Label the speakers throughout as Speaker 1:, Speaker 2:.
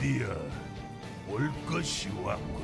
Speaker 1: 드디어 올 것이 왔군.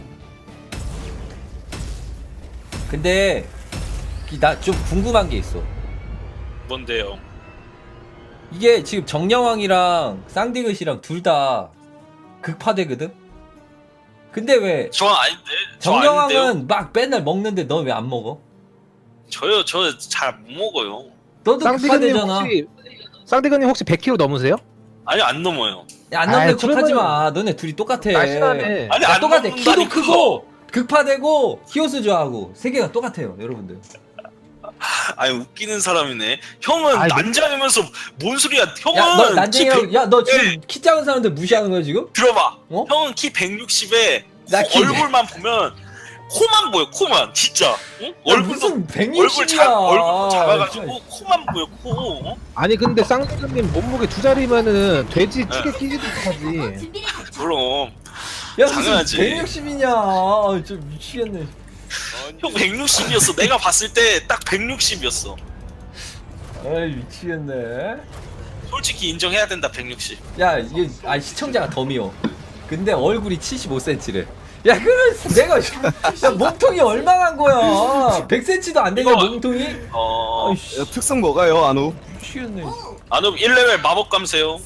Speaker 2: 근데 나 좀 궁금한 게 있어.
Speaker 3: 뭔데요?
Speaker 2: 이게 지금 정령왕이랑 쌍디귿이랑 둘 다 극파되거든? 근데 왜
Speaker 3: 저 아닌데. 저 아닌데요?
Speaker 2: 정령왕은 막 맨날 먹는데 너 왜 안 먹어?
Speaker 3: 저요. 저 잘 못 먹어요.
Speaker 2: 너도
Speaker 4: 쌍디그님
Speaker 2: 극파되잖아.
Speaker 4: 혹시 100kg 넘으세요?
Speaker 3: 아니 안 넘어요.
Speaker 2: 야, 안 넘는
Speaker 4: 아이,
Speaker 2: 척하지
Speaker 4: 그러면은-
Speaker 2: 마. 너네 둘이 똑같아.
Speaker 4: 날씬하네.
Speaker 3: 아니
Speaker 2: 야,
Speaker 3: 안
Speaker 2: 똑같아. 키도
Speaker 3: 넘는다니까.
Speaker 2: 크고 극파되고 히오스 좋아하고 세 개가 똑같아요, 여러분들.
Speaker 3: 아니 웃기는 사람이네. 형은
Speaker 4: 아이,
Speaker 3: 난장이면서 뭔 소리야? 형은
Speaker 2: 야, 너
Speaker 3: 키
Speaker 2: 난쟁이라고.
Speaker 3: 100
Speaker 2: 야, 너 지금
Speaker 3: 예.
Speaker 2: 키 작은 사람들 무시하는 거야 지금?
Speaker 3: 들어봐.
Speaker 2: 어?
Speaker 3: 형은 키 160에
Speaker 2: 나 키-
Speaker 3: 얼굴만 보면 코만 보여. 코만 진짜. 응?
Speaker 2: 야,
Speaker 3: 얼굴도
Speaker 2: 무슨
Speaker 3: 얼굴
Speaker 2: 160이야.
Speaker 3: 얼굴 작아가지고 코만 보여. 코. 어?
Speaker 4: 아니 근데 쌍디그님 몸무게 2자리면은 돼지 찌개 끼지도 못하지.
Speaker 3: 그럼
Speaker 2: 야, 무슨
Speaker 3: 당연하지.
Speaker 2: 160이냐. 좀 미치겠네.
Speaker 3: 형 160이었어. 내가 봤을 때 딱 160이었어.
Speaker 2: 아이, 미치겠네.
Speaker 3: 솔직히 인정해야 된다. 160.
Speaker 2: 야, 이게 시청자가 더 미워. 근데 얼굴이 75cm래. 야, 그럼 내가 야, 몸통이 얼마나 한 거야? 100cm도 안 되냐,
Speaker 3: 이거-
Speaker 2: 몸통이?
Speaker 3: 어.
Speaker 2: 아이씨,
Speaker 5: 야, 특성 뭐가요, 안우?
Speaker 2: 미치겠네.
Speaker 3: 아노 1레벨 마법 감세요.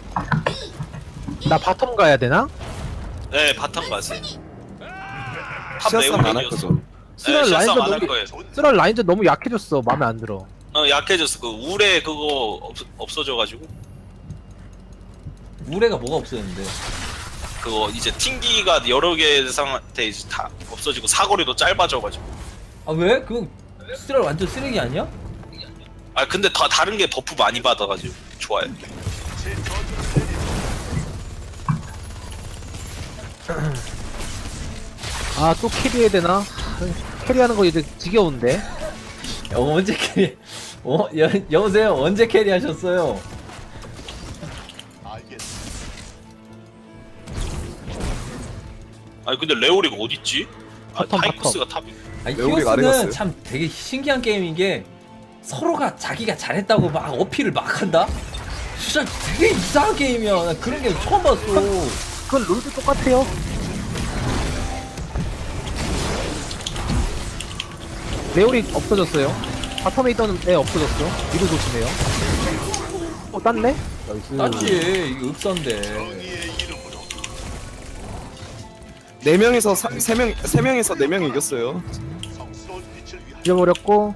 Speaker 4: 나 바텀 가야 되나?
Speaker 3: 네 바텀 가세요. 탑
Speaker 5: 시야싸움 안할
Speaker 3: 내공력이었어.
Speaker 5: 거죠?
Speaker 3: 네,
Speaker 4: 쓰랄
Speaker 3: 실싸움
Speaker 4: 라인전
Speaker 3: 안할
Speaker 4: 너무
Speaker 3: 거예요.
Speaker 4: 쓰랄 라인전 너무 약해졌어. 마음에 안 들어.
Speaker 3: 약해졌어. 그 우레 그거 없어져가지고
Speaker 2: 우레가 뭐가 없었는데.
Speaker 3: 그거 이제 튕기가 여러 개 상한테 이제 다 없어지고 사거리도 짧아져가지고.
Speaker 2: 아, 왜? 그거 쓰레 완전 쓰레기 아니야?
Speaker 3: 아 근데 다 다른 게 버프 많이 받아가지고 좋아요.
Speaker 4: 아 또 캐리해야 되나? 캐리하는 거 이제 지겨운데.
Speaker 2: 언제 캐리? 여보세요? 언제 캐리 하셨어요?
Speaker 3: 아니 근데 레오리가 어딨지? 아,
Speaker 4: 바텀,
Speaker 3: 타이커스가 탑이.
Speaker 2: 아니,
Speaker 5: 왜 우리가 안
Speaker 2: 히오스는
Speaker 5: 해봤어요?
Speaker 2: 참 되게 신기한 게임인 게 서로가 자기가 잘했다고 막 어필을 막 한다? 진짜 되게 이상한 게임이야. 나 그런 게임 처음 봤어.
Speaker 4: 그건 롤도 똑같아요. 레올이 없어졌어요. 바텀에 있던 애 없어졌어. 미드 조심해요. 땄네? 나이스.
Speaker 2: 땄지. 이게 읍선데.
Speaker 5: 4명에서 3명에서 4명 이겼어요.
Speaker 4: 잊어버렸고.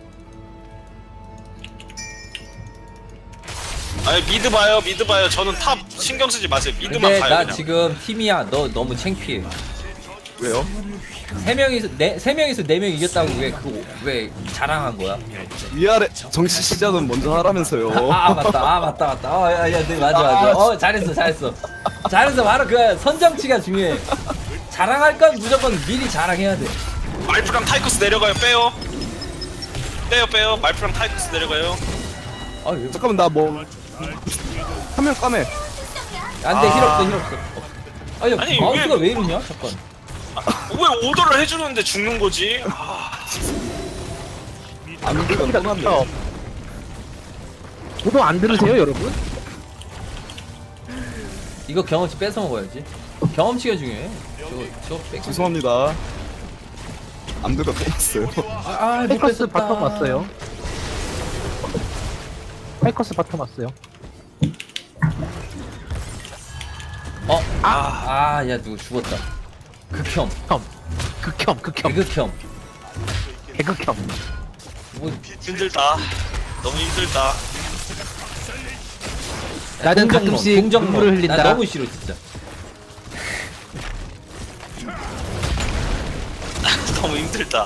Speaker 3: 아니 미드 봐요, 미드 봐요. 저는 탑 신경 쓰지 마세요. 미드만
Speaker 2: 근데
Speaker 3: 봐요
Speaker 2: 나
Speaker 3: 그냥.
Speaker 2: 지금 팀이야. 너 너무 창피해.
Speaker 5: 왜요?
Speaker 2: 세 명이서 네 명 이겼다고 왜 자랑한 거야?
Speaker 5: 위아래 정치 시작은 먼저 하라면서요.
Speaker 2: 아, 맞다. 네, 맞아. 잘했어. 바로 그 선정치가 중요해. 자랑할 건 무조건 미리 자랑해야 돼.
Speaker 3: 말프랑 타이커스 내려가요. 빼요. 말프랑 타이커스 내려가요.
Speaker 2: 아, 왜?
Speaker 5: 잠깐만 나 뭐 한 명 까매.
Speaker 2: 안돼, 힐 없어. 아니,
Speaker 3: 아니,
Speaker 2: 마우스가
Speaker 3: 왜-
Speaker 2: 왜 이러냐? 잠깐.
Speaker 3: 왜 오더를 해주는데 죽는 거지?
Speaker 5: 안 그래도 떠났네.
Speaker 4: 저도 안 들으세요, 여러분?
Speaker 2: 이거 경험치 뺏어 먹어야지. 경험치가 중요해. 저거 뺏.
Speaker 5: 죄송합니다. 안 그래도 떠났어요.
Speaker 2: 못
Speaker 4: 페이커스
Speaker 2: 뺏었다.
Speaker 4: 바텀 왔어요. 페이커스 바텀 왔어요.
Speaker 2: 야, 누구 죽었다. 극혐.
Speaker 4: 극혐.
Speaker 2: 개극혐.
Speaker 4: 개극혐.
Speaker 2: 뭐,
Speaker 3: 힘들다. 너무 힘들다.
Speaker 4: 나는 가끔씩
Speaker 2: 동정론.
Speaker 4: 눈물을 흘린다.
Speaker 2: 나 너무 싫어, 진짜.
Speaker 3: 너무 힘들다.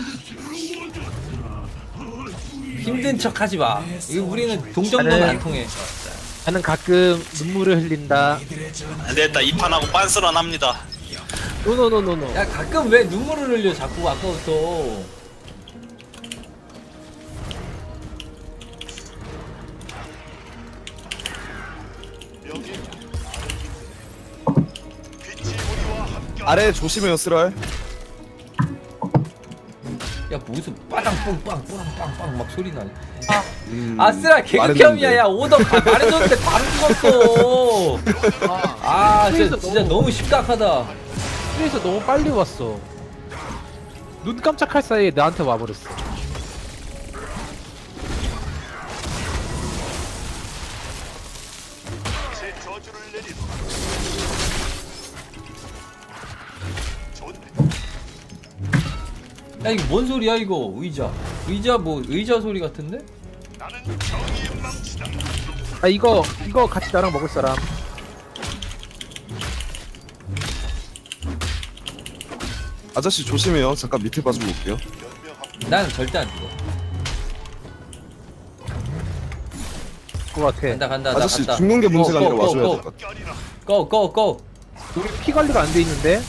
Speaker 2: 힘든 척 하지 마. 이거 우리는 동정론 안 통해.
Speaker 4: 나는 가끔 눈물을 흘린다.
Speaker 3: 안 되겠다. 이 판하고 빤스런 합니다.
Speaker 4: 노노노노노.
Speaker 2: 야, 가끔 왜 눈물을 흘려, 자꾸 아까부터.
Speaker 5: 아래 조심해요, 쓰랄.
Speaker 2: 야, 무슨 빠당뽕빵 뿌랑빵빵 막 소리 나네.
Speaker 5: 음,
Speaker 2: 아쓰라 개극혐이야.
Speaker 5: 말했는데.
Speaker 2: 야, 오더 말해줬는데 바로 죽었어. 아
Speaker 4: 트레이서
Speaker 2: 진짜 너무 심각하다.
Speaker 4: 트레이서 너무 빨리 왔어. 눈 깜짝할 사이에 나한테 와버렸어.
Speaker 1: 제 저주를 내리라. 좋네.
Speaker 2: 야 이거 뭔 소리야 이거? 의자 뭐 의자 소리 같은데?
Speaker 1: 나는 정의의 망치다.
Speaker 4: 아 이거 같이 나랑 먹을 사람.
Speaker 5: 아저씨 조심해요. 잠깐 밑에 봐주고 올게요.
Speaker 1: 연명하고
Speaker 2: 나는 절대 안 죽어.
Speaker 4: 그거 같아.
Speaker 2: 간다 나
Speaker 5: 아저씨
Speaker 2: 간다.
Speaker 5: 죽는 게 문제가 아니라 와줘야 될 것 같아.
Speaker 1: 껴리라.
Speaker 2: 고.
Speaker 4: 우리 피 관리가 안 돼 있는데.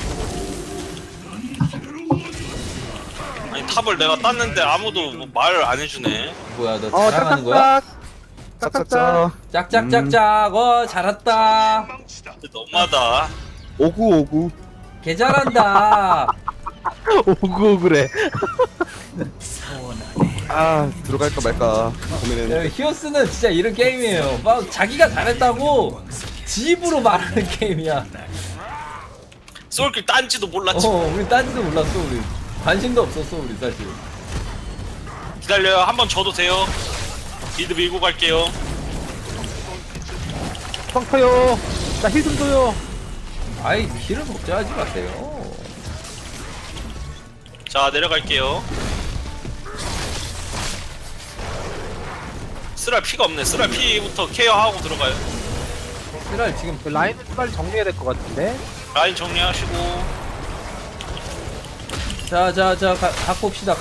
Speaker 3: 아니 탑을 내가 땄는데 아무도 뭐 말을 안 해주네.
Speaker 2: 뭐야 너 자랑하는 거야?
Speaker 4: 짝짝짝.
Speaker 2: 짝짝짝짝. 잘했다.
Speaker 1: 망치다.
Speaker 3: 너무하다.
Speaker 5: 오구.
Speaker 2: 개 잘한다.
Speaker 4: 오그오그래.
Speaker 5: 아 들어갈까 말까 고민했는데.
Speaker 2: 야, 히오스는 진짜 이런 게임이에요. 막 자기가 잘했다고 지 입으로 말하는 게임이야.
Speaker 3: 쏠길 딴지도 몰랐지.
Speaker 2: 우리 딴지도 몰랐어 우리. 관심도 없었어 우리 사실.
Speaker 3: 기다려요. 한번 줘도 돼요. 빌드 밀고 갈게요.
Speaker 4: 빵 터요. 나 힐 좀 줘요.
Speaker 2: 아이 길을 걱정하지 마세요.
Speaker 3: 자 내려갈게요. 쓰랄 피가 없네. 쓰랄 피부터 케어하고 들어가요.
Speaker 2: 쓰랄 지금
Speaker 4: 그 라인을 빨리 정리해야 될 것 같은데.
Speaker 3: 라인 정리하시고.
Speaker 2: 자 갖고 옵시다.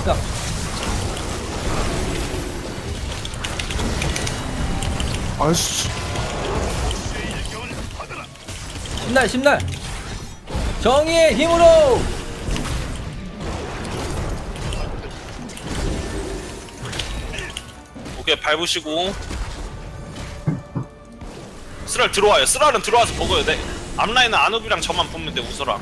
Speaker 5: 아이씨.
Speaker 2: 심날 정의의 힘으로.
Speaker 3: 오케이 밟으시고. 쓰랄 들어와요. 쓰랄은 들어와서 먹어요. 네. 앞라인은 아누비랑 저만 보면 돼. 우서랑.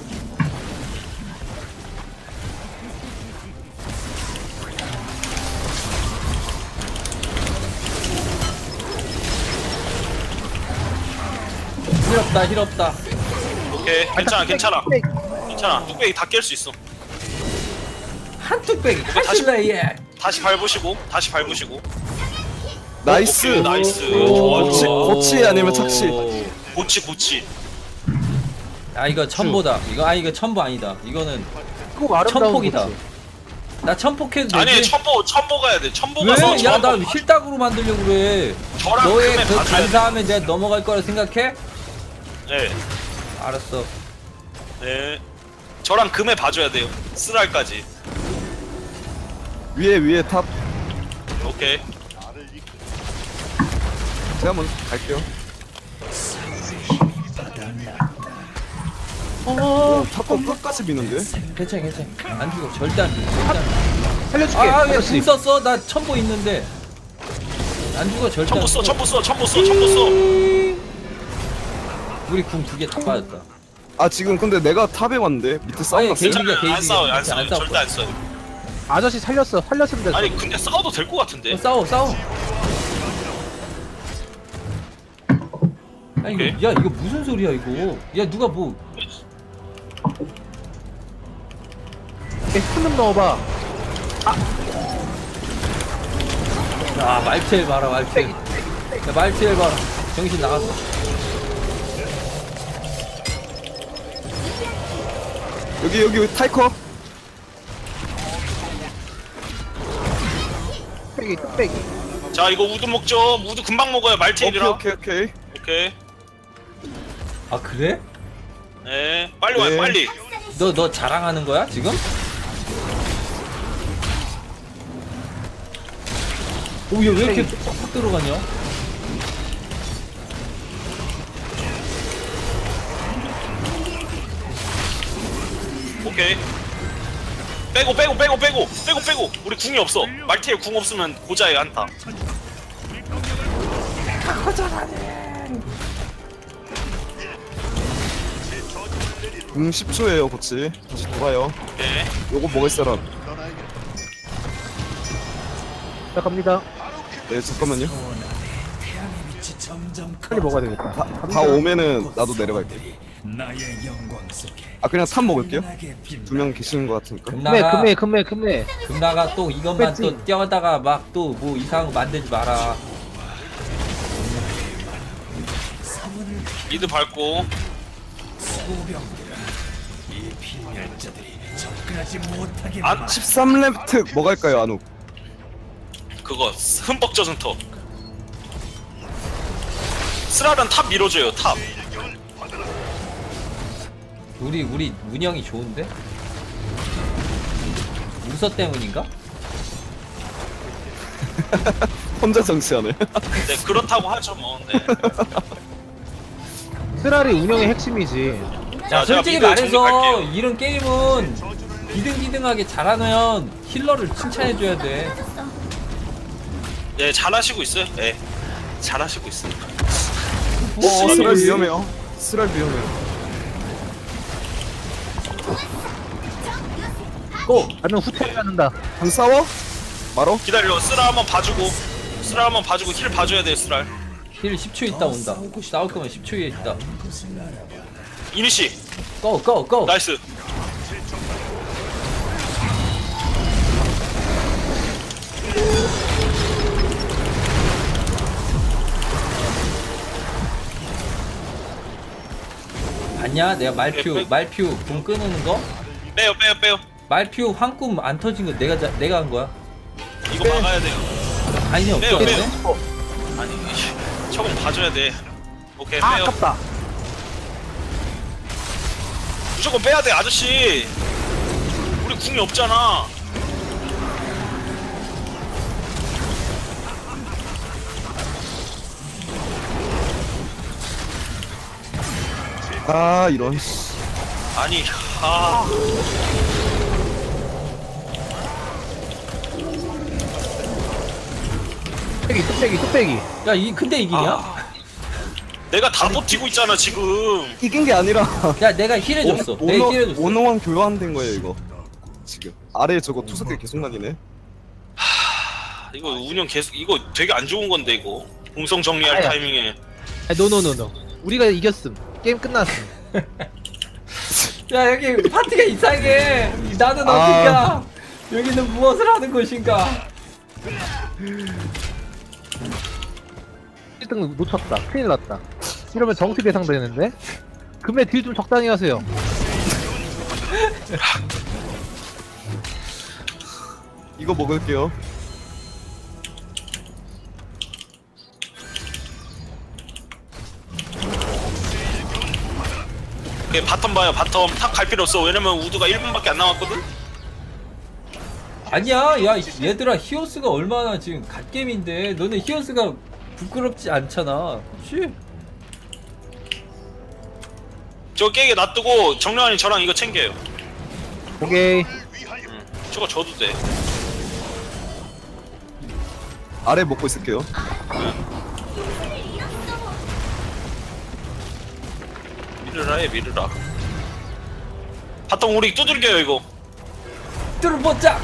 Speaker 2: 힐 없다.
Speaker 3: 오케이 괜찮아. 괜찮아. 뚝배기 다 깰 수 있어.
Speaker 2: 한 뚝배기
Speaker 3: 다시-
Speaker 2: 하실래 얘.
Speaker 3: 다시 밟으시고.
Speaker 5: 나이스.
Speaker 3: 오케이, 나이스.
Speaker 5: 고치,
Speaker 3: 좋아.
Speaker 5: 고치 아니면 착시.
Speaker 3: 고치.
Speaker 2: 아 이거 천보다. 이거 천보 아니다. 이거는
Speaker 4: 꼭 아름다운
Speaker 2: 천폭이다.
Speaker 4: 거지.
Speaker 2: 나 천폭해도 되지?
Speaker 3: 아니 천보 가야 돼. 천보 가서
Speaker 2: 왜?
Speaker 3: 저랑
Speaker 2: 야나 힐딱으로 만들려고 그래.
Speaker 3: 저랑
Speaker 2: 너의
Speaker 3: 금에
Speaker 2: 그
Speaker 3: 봐줘야 돼.
Speaker 2: 간사함에 내가 넘어갈 거라 생각해?
Speaker 3: 네.
Speaker 2: 알았어.
Speaker 3: 네. 저랑 금에 봐줘야 돼요. 쓰랄까지.
Speaker 5: 위에 탑.
Speaker 3: 오케이.
Speaker 1: 나를 이끌
Speaker 5: 제가 먼저 갈게요. 탑도 끝까지 미는데.
Speaker 2: 괜찮아. 안 죽어. 절대 안 죽어.
Speaker 4: 살려줄게.
Speaker 2: 아, 왜
Speaker 4: 아저씨.
Speaker 2: 궁 썼어? 나 천보 있는데. 안 죽어. 절대 안 죽어.
Speaker 3: 천보 써.
Speaker 2: 우리 궁 두 개 다 빠졌다.
Speaker 5: 아 지금 근데 내가 탑에 왔는데 밑에 싸움
Speaker 2: 아니,
Speaker 5: 났어요.
Speaker 2: 게이지-
Speaker 3: 괜찮아요. 안 싸워요. 안
Speaker 2: 안
Speaker 3: 싸워요.
Speaker 2: 싸울
Speaker 3: 절대
Speaker 2: 거야.
Speaker 3: 안 싸워요.
Speaker 4: 아저씨 살렸으면 됐어.
Speaker 3: 아니 근데 싸워도 될 것 같은데.
Speaker 2: 싸워. 아니,
Speaker 3: 오케이.
Speaker 2: 야, 이거 무슨 소리야, 이거. 야, 누가 뭐.
Speaker 4: 손좀 넣어봐.
Speaker 2: 아, 말티엘 봐라, 말티엘. 야, 말티엘 봐라. 정신 나갔어.
Speaker 5: 여기 타이커.
Speaker 4: 뚝배기.
Speaker 3: 자 이거 우드 먹죠. 우드 금방 먹어요. 말티엘이랑.
Speaker 5: 오케이.
Speaker 3: 오케이.
Speaker 2: 아, 그래?
Speaker 3: 네. 빨리 와요.
Speaker 5: 네.
Speaker 3: 빨리.
Speaker 2: 너 자랑하는 거야, 지금? 오, 얘 왜 이렇게 쏙쏙 들어가냐?
Speaker 3: 오케이. 빼고. 우리 궁이 없어. 말티엘 궁 없으면 고자에 한타.
Speaker 5: 10초예요 고치. 다시 돌아요.
Speaker 3: 오케이.
Speaker 5: 요거 먹을 사람.
Speaker 1: 떠나야겠다.
Speaker 4: 자 갑니다.
Speaker 5: 네 잠깐만요.
Speaker 4: 빨리 먹어야 되겠다.
Speaker 5: 다 오면은 나도 내려갈게. 아 그냥 3 먹을게요. 2명 계시는 것 같으니까.
Speaker 4: 금매.
Speaker 2: 금나가 또 이것만
Speaker 4: 그치.
Speaker 2: 또 떼어다가 막 또 뭐 이상한 거 만들지 마라.
Speaker 3: 미드 밟고. 안
Speaker 5: 13렙트 뭐 갈까요 안욱?
Speaker 3: 그거 흠뻑 젖은 터. 스랄은 탑 밀어줘요 탑.
Speaker 2: 우리 운영이 좋은데? 우서 때문인가?
Speaker 5: 혼자 정치하네.
Speaker 3: 네 그렇다고 하죠 뭐. 네.
Speaker 4: 쓰라리 운영의 핵심이지.
Speaker 2: 자,
Speaker 3: 제가
Speaker 2: 솔직히
Speaker 3: 미드
Speaker 2: 말해서
Speaker 3: 정리할게요.
Speaker 2: 이런 게임은 비등비등하게 잘하면 힐러를 칭찬해줘야 돼.
Speaker 3: 예 잘하시고 있어요. 예 잘하시고 있어요.
Speaker 5: 스랄 위험해요. 스랄 위험해요.
Speaker 2: 고!
Speaker 4: 나는 후퇴를 하는다.
Speaker 5: 안 싸워? 말어?
Speaker 3: 기다려 쓰라 한번 봐주고. 쓰라 한번 봐주고 힐 봐줘야 돼요 쓰라.
Speaker 2: 힐 10초 있다 온다. 싸울 거면 10초 에 있다.
Speaker 3: 이니시
Speaker 2: 고! 고! 고!
Speaker 3: 나이스.
Speaker 2: 봤냐? 내가 말퓨 공 끊는 거?
Speaker 3: 빼요.
Speaker 2: 말퓨 황꿈 안 터진 거 내가 한 거야.
Speaker 3: 이거 막아야 돼요.
Speaker 2: 아니
Speaker 3: 빼요,
Speaker 2: 없겠네?
Speaker 3: 아니 저건 봐줘야 돼. 오케이
Speaker 4: 아,
Speaker 3: 빼요.
Speaker 4: 아깝다.
Speaker 3: 무조건 빼야 돼 아저씨. 우리 궁이 없잖아.
Speaker 5: 아 이런.
Speaker 3: 아니 아
Speaker 4: 뚝배기.
Speaker 2: 야, 근데 이기냐?
Speaker 3: 내가 다 버티고 있잖아 지금.
Speaker 5: 이긴 게 아니라
Speaker 2: 야, 내가 힐해줬어. 내가 힐해줬어.
Speaker 5: 원어원 교환된 거예요 이거. 지금 아래에 저거 투석기 계속 날리네.
Speaker 3: 이거 운영 계속 이거 되게 안 좋은 건데 이거 공성 정리할
Speaker 4: 아야.
Speaker 3: 타이밍에.
Speaker 4: 노. 우리가 이겼음. 게임 끝났음.
Speaker 2: 야, 여기 파티가 이상해. 나는 어딘가? 여기는 무엇을 하는 곳인가?
Speaker 4: 1등 놓쳤다. 큰일 났다. 이러면 정치 대상 되는데? 금에 딜 좀 적당히 하세요.
Speaker 5: 이거 먹을게요.
Speaker 3: 오케이, 바텀 봐요 바텀. 탑 갈 필요 없어. 왜냐면 우드가 1분밖에 안 남았거든.
Speaker 2: 아니야, 야, 얘들아, 히오스가 얼마나 지금 갓겜인데, 너네 히오스가 부끄럽지 않잖아. 그치?
Speaker 3: 저거 깨게 놔두고 정령환이 저랑 이거 챙겨요.
Speaker 4: 오케이.
Speaker 3: 저거 줘도 돼.
Speaker 5: 아래 먹고 있을게요.
Speaker 3: 미르라 해 미르라. 바텀 우리 두들겨요 이거.
Speaker 2: 뚫어보자!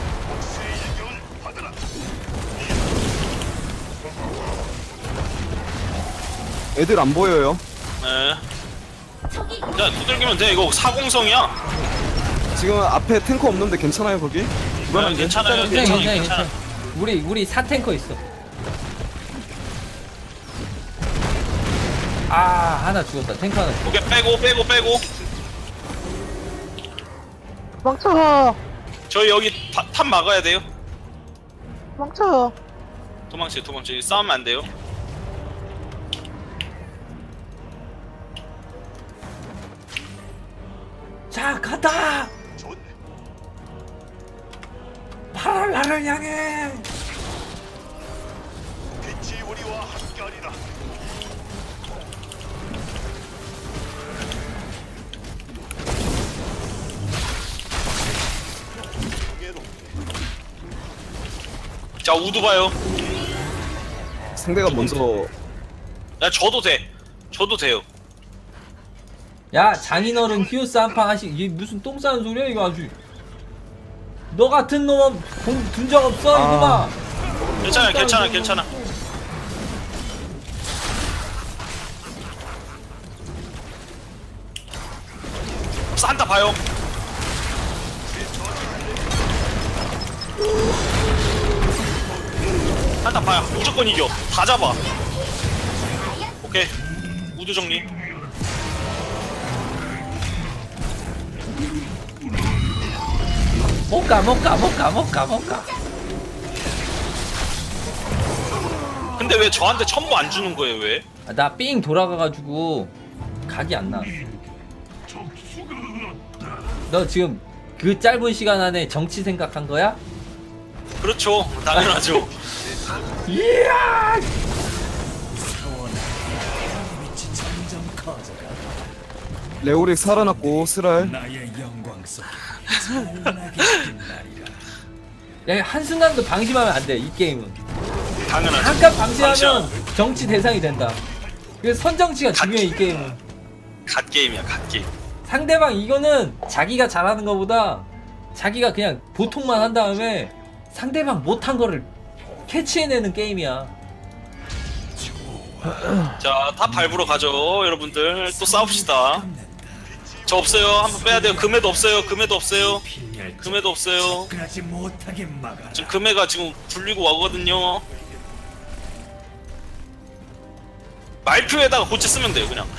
Speaker 5: 애들 안 보여요.
Speaker 3: 네. 야 두들기면 돼. 이거 사공성이야.
Speaker 5: 지금 앞에 탱커 없는데 괜찮아요 거기?
Speaker 3: 네, 괜찮아요.
Speaker 2: 괜찮아. 우리 4탱커 있어. 아, 하나 죽었다. 탱커 하나 죽었다.
Speaker 3: 오케이 빼고.
Speaker 4: 도망쳐.
Speaker 3: 저희 여기 탑 막아야 돼요.
Speaker 4: 도망쳐.
Speaker 3: 도망쳐. 싸우면 안 돼요.
Speaker 2: 자, 가다!
Speaker 1: 좋네.
Speaker 2: 파란 나를 향해!
Speaker 1: 빛이 우리와 함께하리라.
Speaker 3: 자 우드 봐요.
Speaker 5: 상대가 먼저
Speaker 3: 야 줘도 돼요.
Speaker 2: 야, 장인어른 히오스 한판 하시, 이게 무슨 똥 싸는 소리야, 이거 아주. 너 같은 놈은 공 둔 적 없어, 이놈아!
Speaker 3: 괜찮아. 산타 봐요. 산타 봐요. 무조건 이겨. 다 잡아. 오케이. 우드 정리.
Speaker 2: 못가.
Speaker 3: 근데 왜 저한테 첨부 안 주는 거예요? 왜?
Speaker 2: 아, 나 삥 돌아가가지고 각이 안 나. 너 지금 그 짧은 시간 안에 정치 생각한 거야?
Speaker 3: 그렇죠. 당연하죠.
Speaker 2: 이야!
Speaker 5: 레오릭 살아났고 스랄.
Speaker 2: 야, 한순간도 방심하면 안 돼, 이 게임은.
Speaker 3: 당연하죠.
Speaker 2: 잠깐 방심하면
Speaker 3: 방심.
Speaker 2: 정치 대상이 된다. 그래서 선정치가 중요해, 이 게임은.
Speaker 3: 갓 게임이야, 갓 게임.
Speaker 2: 상대방 이거는 자기가 잘하는 것보다 자기가 그냥 보통만 한 다음에 상대방 못한 거를 캐치해내는 게임이야.
Speaker 3: 자, 다 밟으러 가죠, 여러분들. 또 싸웁시다. 저 없어요. 한번 빼야 돼요. 금해도 없어요. 금해도 없어요. 금해도 없어요. 지금 금해가 지금 불리고 와거든요. 말표에다가 고치 쓰면 돼요, 그냥.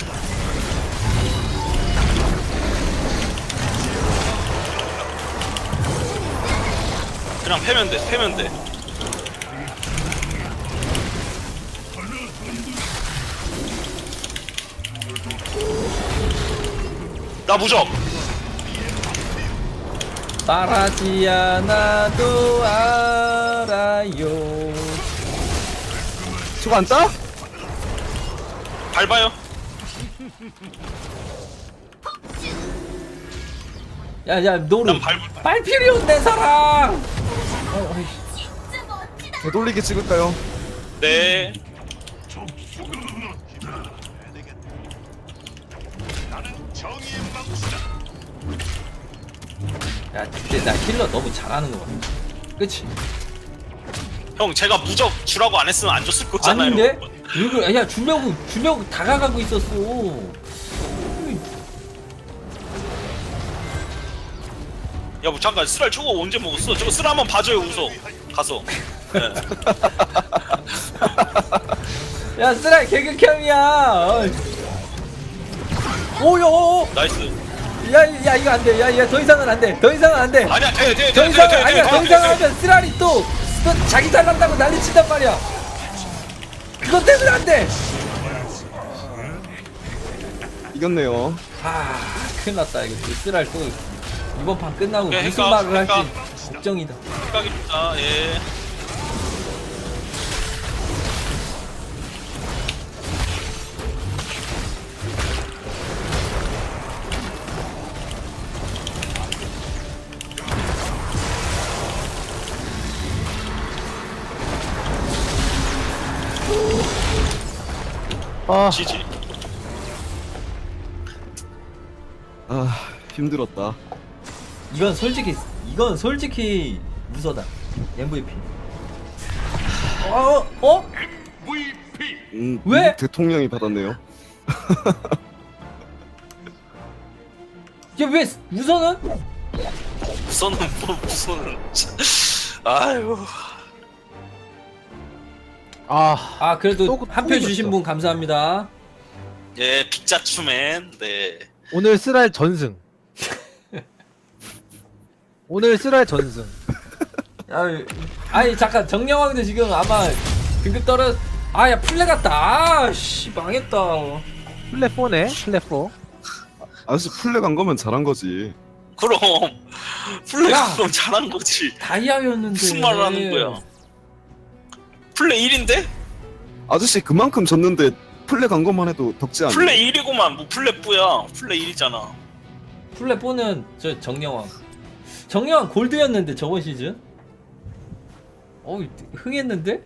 Speaker 3: 그냥 패면 돼, 패면 돼. 나 무적.
Speaker 2: 말하지 않아도 알아요.
Speaker 5: 저거 안 따?
Speaker 3: 밟아요.
Speaker 2: 야야 노루
Speaker 3: 난
Speaker 2: 빨피리온 내 사랑.
Speaker 5: 되돌리기 찍을까요?
Speaker 3: 네.
Speaker 1: 정의의 망치다.
Speaker 2: 야 근데 나 힐러 너무 잘하는 거 같아. 그치?
Speaker 3: 형, 제가 무적 주라고 안 했으면 안 줬을 거잖아요.
Speaker 2: 아닌데? 이거 야 주려고 다가가고 있었어.
Speaker 3: 야, 뭐 잠깐, 쓰랄 저거 언제 먹었어? 저거 쓰라 한번 봐줘요, 우서. 가서. 네.
Speaker 2: 야 쓰라 개극혐이야. 오요.
Speaker 3: 나이스.
Speaker 2: 야 이거 안 돼. 야 더 이상은 안 돼. 더 이상은 안 돼.
Speaker 3: 아니야, 돼.
Speaker 2: 더 이상은 아니야. 더 이상은 하면 쓰라리 또 자기 잘난다고 난리 친단 말이야. 그것 때문에 안 돼.
Speaker 5: 이겼네요.
Speaker 2: 아 큰일 났다 이거 쓰랄 또 이번 판 끝나고
Speaker 3: 네,
Speaker 2: 무슨
Speaker 3: 그러니까,
Speaker 2: 말을 할지
Speaker 3: 그러니까.
Speaker 2: 걱정이다.
Speaker 3: 생각입니다. 예.
Speaker 4: 아,
Speaker 3: 지지.
Speaker 5: 아 힘들었다.
Speaker 2: 이건 솔직히 무서다. MVP. 어? 왜?
Speaker 5: 미국 대통령이 받았네요.
Speaker 2: 왜 우선은?
Speaker 3: 우선은 뭐 무슨. 아유.
Speaker 2: 아 그래도
Speaker 4: 또
Speaker 2: 한 표
Speaker 4: 이겼어.
Speaker 2: 주신 분 감사합니다.
Speaker 3: 예, 빅자추맨. 네.
Speaker 4: 오늘 쓰랄 전승. 오늘 쓰랄 전승.
Speaker 2: 아니 잠깐 정령왕도 지금 아마 등급 떨어. 아야 플레 같다. 아씨 망했다.
Speaker 4: 플랫 4네. 플랫 4.
Speaker 5: 아저씨 플레 간 거면 잘한 거지.
Speaker 3: 그럼. 플레이
Speaker 2: 야.
Speaker 3: 그럼 잘한 거지.
Speaker 2: 다이아였는데
Speaker 3: 무슨 말을 하는 거야? 플레이 1인데?
Speaker 5: 아저씨 그만큼 졌는데 플레 간 것만 해도 덕지 않아.
Speaker 3: 플레이 1이구만. 뭐 플레이 뿌야. 플레이 1이잖아.
Speaker 2: 플레 4는 저 정령왕 골드였는데 저번 시즌. 흥했는데?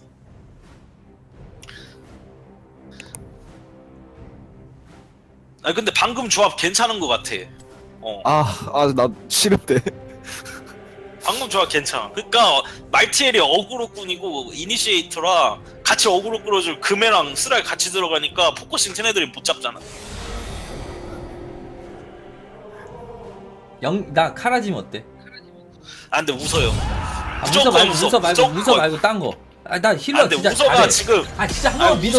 Speaker 3: 아니 근데 방금 조합 괜찮은 것 같아.
Speaker 5: 나 싫은데.
Speaker 3: 방금 조합 괜찮아. 그러니까 말티엘이 어그로꾼이고 이니시에이터라 같이 어그로 끌어줄 금해랑 쓰랄 같이 들어가니까 포커싱 튼 애들이 못 잡잖아.
Speaker 2: 나 카라짐 어때?
Speaker 3: 아 근데 웃어요.
Speaker 2: 아, 웃어 말고 딴 거. 아, 나 힐러
Speaker 3: 아 근데
Speaker 2: 진짜
Speaker 3: 웃어가
Speaker 2: 잘해.
Speaker 3: 지금
Speaker 2: 아 진짜
Speaker 3: 아니,
Speaker 2: 한번 믿어.